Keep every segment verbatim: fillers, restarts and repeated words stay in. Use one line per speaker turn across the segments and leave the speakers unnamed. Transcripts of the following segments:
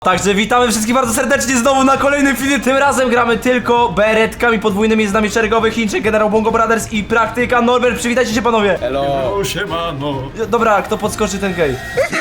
Także witamy wszystkich bardzo serdecznie znowu na kolejnym filmie. Tym razem gramy tylko beretkami podwójnymi. Z nami szeregowy Chińczyk, generał Bongo Brothers i praktyka Norbert. Przywitajcie się panowie.
Hello.
Hello, siemano.
Dobra, kto podskoczy, ten gej.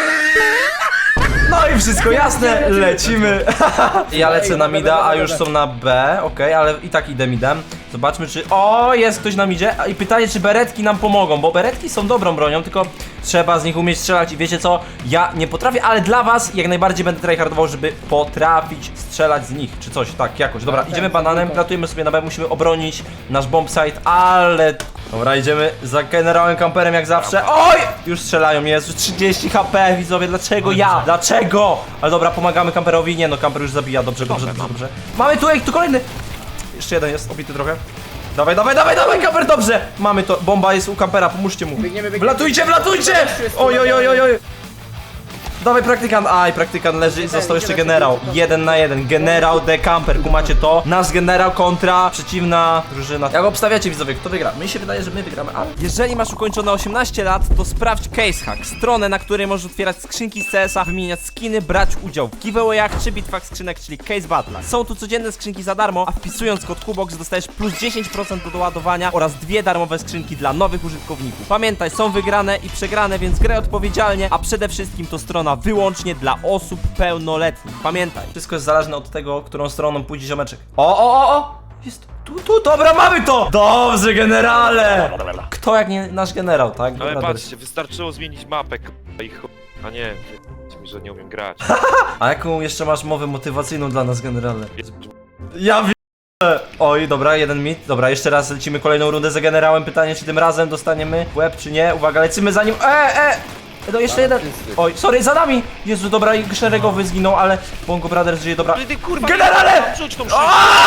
No i wszystko jasne, lecimy. Ja lecę na mida, a już są na B, okej, ale i tak idę midem. Zobaczmy czy... O, jest ktoś na midzie. I pytanie, czy beretki nam pomogą, bo beretki są dobrą bronią, tylko trzeba z nich umieć strzelać i wiecie co? Ja nie potrafię, ale dla was jak najbardziej będę tryhardował, żeby potrafić strzelać z nich, czy coś, tak, jakoś. Dobra, idziemy bananem, gratujemy sobie na B, musimy obronić nasz bomb site, ale... Dobra, idziemy za generałem kamperem jak zawsze. Oj! Już strzelają, Jezu, trzydzieści HP, widzowie, dlaczego ja? Dlaczego? Ale dobra, pomagamy kamperowi, nie no, kamper już zabija, dobrze, dobrze, dobrze, dobrze. Mamy tu, ej, tu kolejny! Jeszcze jeden jest, obity trochę. Dawaj, dawaj, dawaj, dawaj, kamper, dobrze! Mamy to, bomba jest u kampera, pomóżcie mu.
Biegniemy, biegniemy.
Wlatujcie, wlatujcie! Oj, oj, oj, oj, oj. Dawaj praktykant, aj, praktykant leży, został jeszcze generał. Jeden na jeden, generał de camper, kumacie to? Nasz generał kontra przeciwna drużyna. Jak obstawiacie widzowie, kto wygra? Mi się wydaje, że my wygramy, ale... Jeżeli masz ukończone osiemnaście lat, to sprawdź CaseHack, stronę, na której możesz otwierać skrzynki z C S a, wymieniać skiny, brać udział w giveawayach czy bitwach skrzynek, czyli Case Battle. Są tu codzienne skrzynki za darmo, a wpisując kod Kubox dostajesz plus dziesięć procent do doładowania oraz dwie darmowe skrzynki dla nowych użytkowników. Pamiętaj, są wygrane i przegrane, więc graj odpowiedzialnie, a przede wszystkim to strona wyłącznie dla osób pełnoletnich. Pamiętaj, wszystko jest zależne od tego, którą stroną pójdzie ziomeczek. O, o, o, o! Jest tu, tu, dobra, mamy to! Dobrze, generale! Kto jak nie nasz generał, tak?
Ale
Dobra,
patrzcie, wystarczyło zmienić mapę, k***a, i ch... A nie, mi, że nie umiem grać.
A jaką jeszcze masz mowę motywacyjną dla nas, generale? Ja wiem. Oj, dobra, jeden mit. Dobra, jeszcze raz lecimy kolejną rundę za generałem. Pytanie, czy tym razem dostaniemy w łeb, czy nie? Uwaga, lecimy za nim. E, e! No jeszcze jeden. Oj, sorry, za nami! Jezu, dobra, i szeregowy zginął, ale Bongo Brothers żyje, dobra.
Ale ty kurwa,
Generale!
nie, rzuć tą szybkę.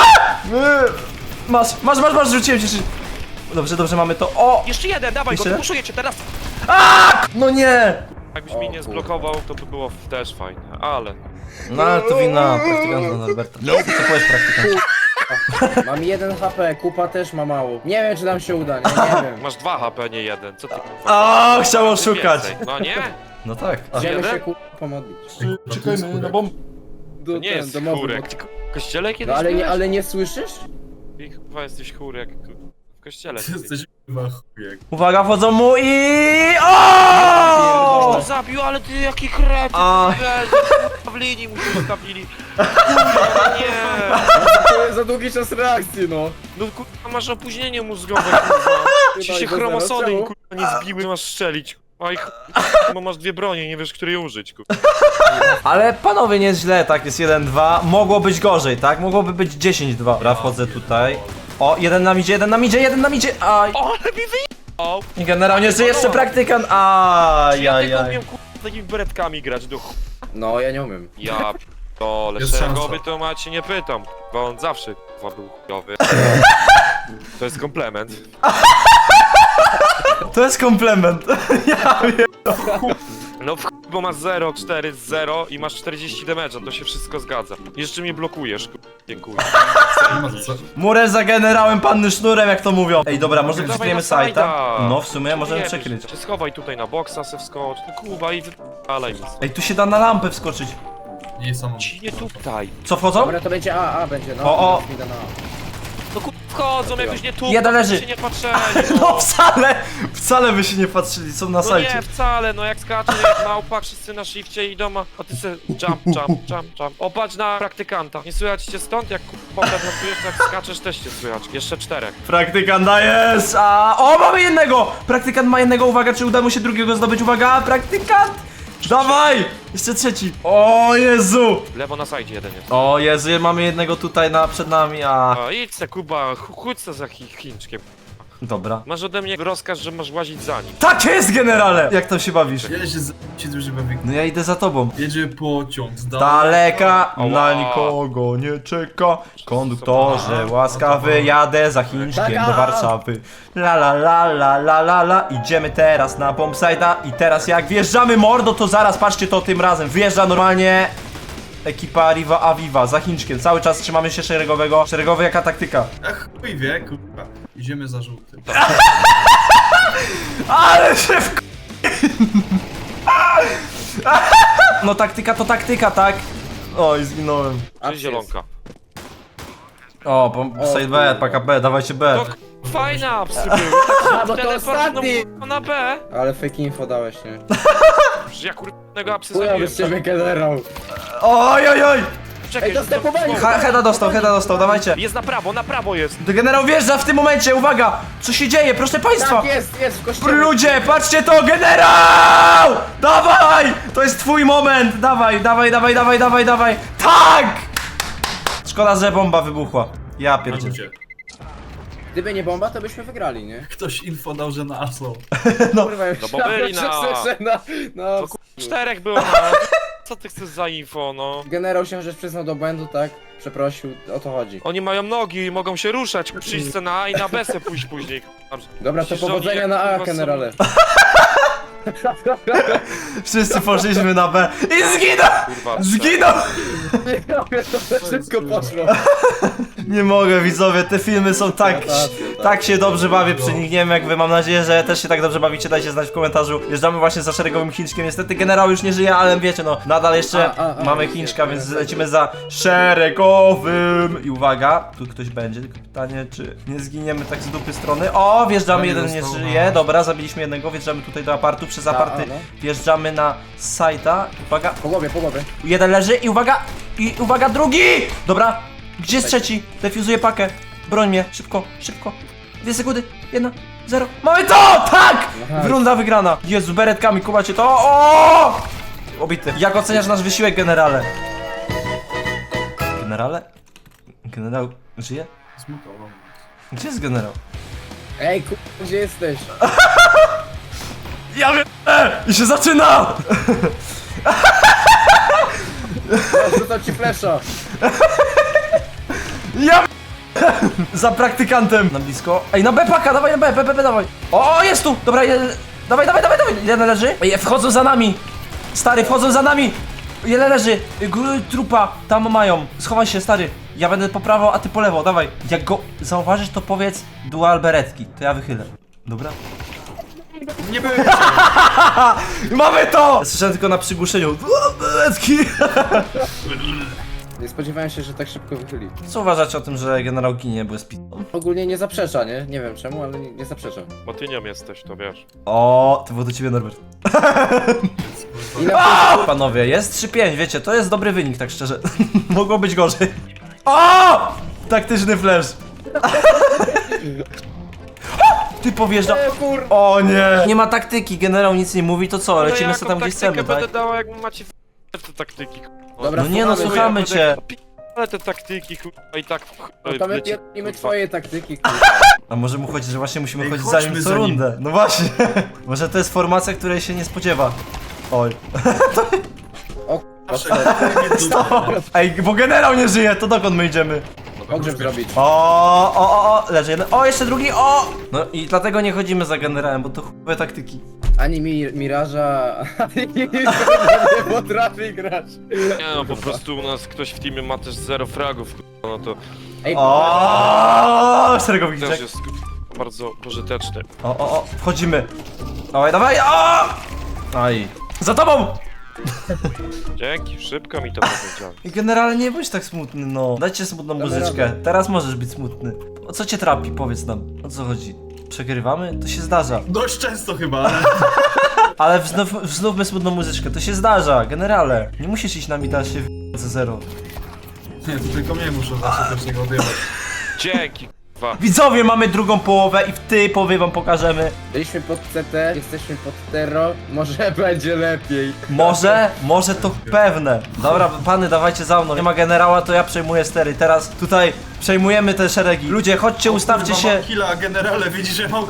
Masz, masz, masz, masz, rzuciłem cię. Dobrze, dobrze, mamy to. O!
Jeszcze jeden, dawaj
Jeszcze?
go, puszuję cię teraz.
No nie!
Jakbyś mnie nie zblokował, to by było też fajne, ale...
No ale to wina praktykanta Norberta. Co powiesz, praktykant?
Mam jeden H P, kupa też ma mało. Nie wiem, czy nam się uda, nie, nie wiem.
Masz dwa H P, nie jeden, co ty kurwa?
O, chciał oszukać.
Więcej. No nie?
No tak.
Idziemy
jeden?
się kupa pomodlić.
Czekajmy na bomb.
Do,
To nie
ten,
jest
do mowy,
chórek. Ty w kościele kiedyś
No ale nie,
byłeś?
ale nie słyszysz?
Ty chyba jesteś chórek. W kościele.
Ty jesteś chyba chujek.
Uwaga, wchodzą mu i... O!
To zabił, ale ty jaki kret!
A.
W linii mu się ustawili. Kurwa, nie!
To jest za długi czas reakcji, no.
No kurwa, masz opóźnienie mózgowe, kurwa. Ci
Chyba
się
i do
chromosody
zero,
kurwa nie zbiły, masz strzelić. Oj, bo masz dwie bronie, nie wiesz, której użyć, kurwa.
Ale panowie, nie jest źle, tak, jest jeden dwa. Mogło być gorzej, tak? Mogłoby być dziesięć dwa. Dobra, wchodzę tutaj. O, jeden nam idzie, jeden nam idzie, jeden nam idzie. Aj.
O, ale mi wyjechał!
I generalnie jeszcze jeszcze praktykant.
Ja
Ajajaj.
tylko umiem kurwa takimi beretkami grać do ch...
No, ja nie umiem.
Ja p***ole,
Jest
szeregowy
szansa.
to macie nie pytam, bo on zawsze kurwa był chujowy. To jest komplement.
To jest komplement. Ja wiem.
No w chuj, bo masz zero, cztery, zero i masz czterdzieści damage'a, to się wszystko zgadza. Jeszcze mnie blokujesz, kurwa. Dziękuję.
Murę za generałem, panny sznurem, jak to mówią. Ej, dobra, może
Dawaj
przykryjemy
na
sajta?
sajta.
No, w sumie możemy
Nie,
przykryć.
Się schowaj tutaj na boksa, se wskocz, no kuba i wypalaj mi.
Ej, tu się da na lampę wskoczyć.
Nie są.
Ci nie tutaj.
Co, wchodzą?
Dobra, to będzie A, A będzie, no.
O, o.
Idę na A.
No kurwa wchodzą, jak już nie tu.
Jeden leży.
się nie patrzeli.
No wcale, wcale by się nie patrzyli, są na
No
sajcie.
nie, wcale, no jak skacze jak małpa, wszyscy na shifcie i doma, a ty se jump, jump, jump, jump. Opatrz na praktykanta. Nie słychać cię stąd, jak kurwa prezentujesz, jak skaczesz też cię słychać. Jeszcze czterech.
Praktykant dajesz, a... O, mamy jednego! Praktykant ma jednego, uwaga, czy uda mu się drugiego zdobyć, uwaga, praktykant! Dawaj! Jeszcze trzeci. O Jezu!
Lewo na sajdzie jeden jest.
O Jezu, mamy jednego tutaj na, przed nami, a...
A idź se Kuba, ch- chodź se za chi Chińczkiem.
Dobra.
Masz ode mnie rozkaz, że masz łazić za nim.
Tak jest, generale! Jak tam się bawisz?
Ja się z... się duży bawi.
No ja idę za tobą.
Jedzie pociąg z
Daleka,
Ała.
na nikogo nie czeka. Konduktorze, łaskawy, jadę za Chińczkiem do Warszawy. La la la la la la la. Idziemy teraz na bombsite'a i teraz jak wjeżdżamy mordo, to zaraz, patrzcie to tym razem. Wjeżdża normalnie ekipa Riva Aviva za Chińczkiem. Cały czas trzymamy się szeregowego. Szeregowy jaka taktyka?
Ach, chuj wie, kurwa. Idziemy za żółtym.
Ale się w... No taktyka to taktyka, tak? Oj, zginąłem.
A
Czy zielonka?
O, po, side B, paka B, dawajcie B.
To k- fajne apsy były.
A, bo to
Teleport,
ostatni!
no, na B.
Ale fake info dałeś, nie?
Że ja kurnego apsy
Chujowy
zabiłem.
z ciebie generał.
Oj, oj, oj!
Czekaj,
Ej, dostępowali!
Ha, Heda dostał, Heda dostał, dawajcie.
Jest na prawo, na prawo jest.
Generał wjeżdża w tym momencie, uwaga! Co się dzieje, proszę państwa?
Tak, jest, jest w kościele.
Ludzie, patrzcie to, generał! Dawaj! To jest twój moment! Dawaj, dawaj, dawaj, dawaj, dawaj, dawaj! Tak! Szkoda, że bomba wybuchła. Ja
Na
pierdzielę.
ludzie.
Gdyby nie bomba, to byśmy wygrali, nie?
Ktoś info dał, że na Aslo.
Kurwa, już
No bo byli na-
słyszę na... No,
To kur... czterech było na... Co ty chcesz za info, no?
generał się że przyznał do błędu, tak? Przeprosił, o to chodzi.
Oni mają nogi i mogą się ruszać. Przyjść se na A i na B se pójść później.
Dobra, to
Myślisz, że oni
powodzenia
jak
na A,
kurwa są-
generale.
Wszyscy poszliśmy na B i zginął!
Kurwa,
Zginął!
To wszystko poszło.
Nie mogę, widzowie, te filmy są tak...
Rotacje, tak.
Tak się dobrze bawię przy nich, nie wiem jak wy, mam nadzieję, że też się tak dobrze bawicie, dajcie znać w komentarzu. Jeżdżamy właśnie za szeregowym Chińczkiem, niestety generał już nie żyje, ale wiecie no, nadal jeszcze
A, a, a,
mamy
jest,
Chińczka,
jest,
więc
jest.
lecimy za szeregowym. I uwaga, tu ktoś będzie, tylko pytanie, czy nie zginiemy tak z dupy strony. O, wjeżdżamy,
Fajnie
jeden nie
został,
żyje,
no.
dobra, zabiliśmy jednego, wjeżdżamy tutaj do apartu, przez
A,
aparty
a, no.
wjeżdżamy na sajta, uwaga,
Po głowie, po głowie.
jeden leży i uwaga, i uwaga, drugi! Dobra, gdzie jest trzeci? Defuzuję pakę, broń mnie, szybko, szybko. Dwie sekundy, jedna, zero. Mamy to! Tak!
Nice.
Runda wygrana. Jezu, beretkami, kumacie to. O! Obity. Jak oceniasz nasz wysiłek, generale? Generale? Generał żyje?
Zmutował.
Gdzie jest generał?
Ej, ku... gdzie jesteś?
Ja wiem! E! I się zaczyna!
Ja rzucam ci flesza.
Ja za praktykantem. Na blisko. Ej, na B paka, dawaj na B, B, B, B, dawaj. O, jest tu! Dobra, jeden. Dawaj, dawaj, dawaj, dawaj. Jeden leży. Ej, wchodzą za nami. Stary, wchodzą za nami. Jeden leży. G- trupa, tam mają. Schowaj się, stary. Ja będę po prawo, a ty po lewo, dawaj. Jak go zauważysz, to powiedz dual beretki. To ja wychylę. Dobra?
Nie byłem
Mamy to! Słyszałem tylko na przygłuszeniu. Dual beretki.
Nie spodziewałem się, że tak szybko wychyli.
Co uważacie o tym, że generał ginie, bo jest pitą?
Ogólnie nie zaprzecza, nie? Nie wiem czemu, ale nie, nie zaprzecza.
Bo ty nią jesteś, to wiesz.
O, to było do ciebie, Norbert.
I na
Panowie, jest trzy pięć, wiecie, to jest dobry wynik, tak szczerze. Mogło być gorzej. O! Taktyczny flash. Ty powjeżdża.
O kur...
O nie! Nie ma taktyki, generał nic nie mówi, to co?
Ale
Lecimy
jaką
sobie tam, gdzie
taktykę
chcemy, tak?
będę dała, jak macie w te taktyki. k***a.
Dobra,
No nie no,
słuchamy
słuchamy cię.
Ale te taktyki, kurwa, i tak...
No to my
wiecie,
pierdolimy
kurwa.
twoje taktyki, kurwa.
A może mu chodzi, że właśnie musimy
Ej,
chodzić za nim
chodźmy
co
za nim.
rundę. No właśnie. Może to jest formacja, której się nie spodziewa. Oj.
O
Ej, bo generał nie żyje, to dokąd my idziemy?
pogrzeb zrobić.
O, o, o, o, leży jeden. O, jeszcze drugi, o! No i dlatego nie chodzimy za generałem, bo to chujowe taktyki.
Ani mi Miraża, ani nie potrafi grać.
Nie no, po prostu u nas ktoś w teamie ma też zero fragów, kurwa, no to
Ej,
O, szeregowiczek.
też jest kurwa, bardzo pożyteczny.
O, o, o, wchodzimy. Dawaj, dawaj, o! Aj. Za tobą!
Dzięki, szybko mi to powiedziałeś.
I generalnie nie bądź tak smutny, no. Dajcie smutną
Damy
muzyczkę.
radę.
Teraz możesz być smutny. O co cię trapi? Powiedz nam. O co chodzi? Przegrywamy? To się zdarza.
Dość często chyba, ale...
Ale wznów, wznówmy smutną muzyczkę. To się zdarza, generale. Nie musisz iść na mida się w zero.
Nie, to tylko mnie muszę zawsze też tego odjebać.
Dzięki, kurwa.
Widzowie, mamy drugą połowę i w tej połowie wam pokażemy.
byliśmy pod C T, jesteśmy pod Tero, może będzie lepiej.
Może, może to pewne. Dobra, pany, dawajcie za mną. Nie ma generała, to ja przejmuję stery. Teraz tutaj przejmujemy te szeregi. Ludzie, chodźcie, ustawcie
Kurwa,
się.
mam killa, a generale widzi, że mam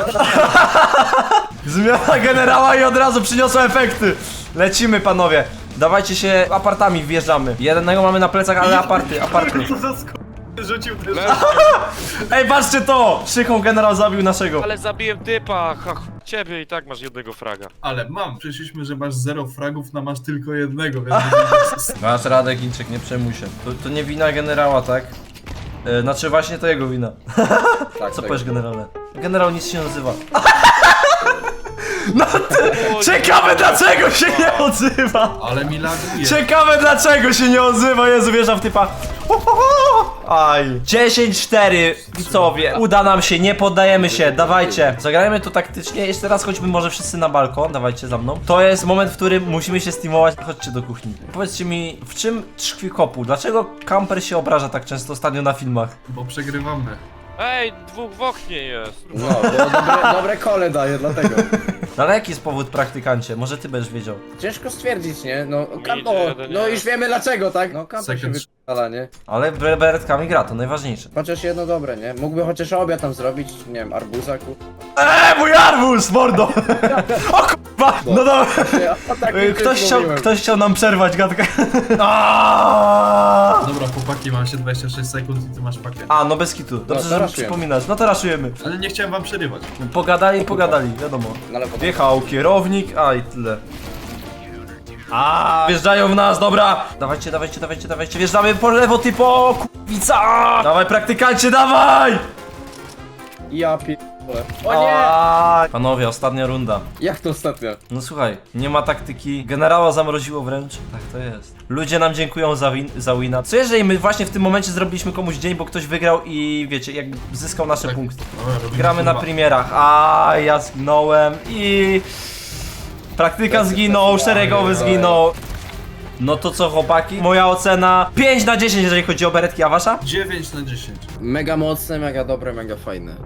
Zmiana generała i od razu przyniosła efekty. Lecimy, panowie. Dawajcie się, apartami wjeżdżamy. Jednego mamy na plecach, ale aparty, aparty.
Co za sk... rzucił też.
Leży.
Ej, patrzcie to! Szychą generał zabił naszego.
Ale zabiłem typa, ha, ch- ciebie i tak masz jednego fraga.
Ale mam, przyszliśmy, że masz zero fragów, na masz tylko jednego, więc...
Masz radę, Chińczyk, nie przejmuj się. To, to nie wina generała, tak? E, znaczy właśnie to jego wina.
Tak,
Co
tak.
powiesz, generale? Generał nic się nie nazywa. No ty, ciekawe dlaczego się nie odzywa!
Ale mi laguje.
Ciekawe dlaczego się nie odzywa, Jezu, wjeżdżam w typa. Aj. dziesięć cztery, widzowie, uda nam się, nie poddajemy się, dawajcie. Zagrajmy to taktycznie, jeszcze raz chodźmy może wszyscy na balkon, dawajcie za mną. To jest moment, w którym musimy się steamować, chodźcie do kuchni. Powiedzcie mi, w czym tkwi kopu? Dlaczego kamper się obraża tak często ostatnio na filmach?
Bo przegrywamy.
Ej, dwóch w oknie jest.
No, bo dobre, dobre kole daje, dlatego.
No ale jaki jest powód, praktykancie? Może ty będziesz wiedział.
Ciężko stwierdzić, nie? No, kam
Idzie
o,
jeden,
no
nie?
już wiemy dlaczego, tak? No, kamper się
Second.
wypala, nie?
Ale bre- beretkami gra, to najważniejsze.
Chociaż jedno dobre, nie? Mógłby chociaż obiad tam zrobić, nie wiem, arbuza, ku...
Eee, mój arbuz, mordo! O kurwa, no dobra.
O takim
Y, Ktoś
czymś
chciał,
mówiłem.
ktoś chciał nam przerwać gadkę. Aaaa!
Dobra, chłopaki, mam się dwadzieścia sześć sekund i ty masz pakiet.
A, no bez kitu. Dobrze,
to
że mi
raszujemy.
przypominasz. No to raszujemy.
Ale nie chciałem wam przerywać.
Pogadali, pogadali, wiadomo.
No ale potem...
Wjechał kierownik, a i tyle. A, wjeżdżają w nas, dobra. Dawajcie, dawajcie, dawajcie, dawajcie. Wjeżdżamy po lewo, typo, kurwica. Dawaj, praktykancie, dawaj!
Ja pierdolę. O nie!
A, panowie, ostatnia runda.
Jak to ostatnio?
No słuchaj, nie ma taktyki. Generała zamroziło wręcz. Tak to jest. Ludzie nam dziękują za, win za wina. Co jeżeli my właśnie w tym momencie zrobiliśmy komuś dzień, bo ktoś wygrał i wiecie, jakby zyskał nasze
Tak.
punkty.
Dobra, robimy
Gramy na
kurwa.
premierach. A ja zginąłem i... Praktyka zginął, szeregowy zginął. No to co, chłopaki? Moja ocena pięć na dziesięć, jeżeli chodzi o beretki, a wasza?
dziewięć na dziesięć.
Mega mocne, mega dobre, mega fajne.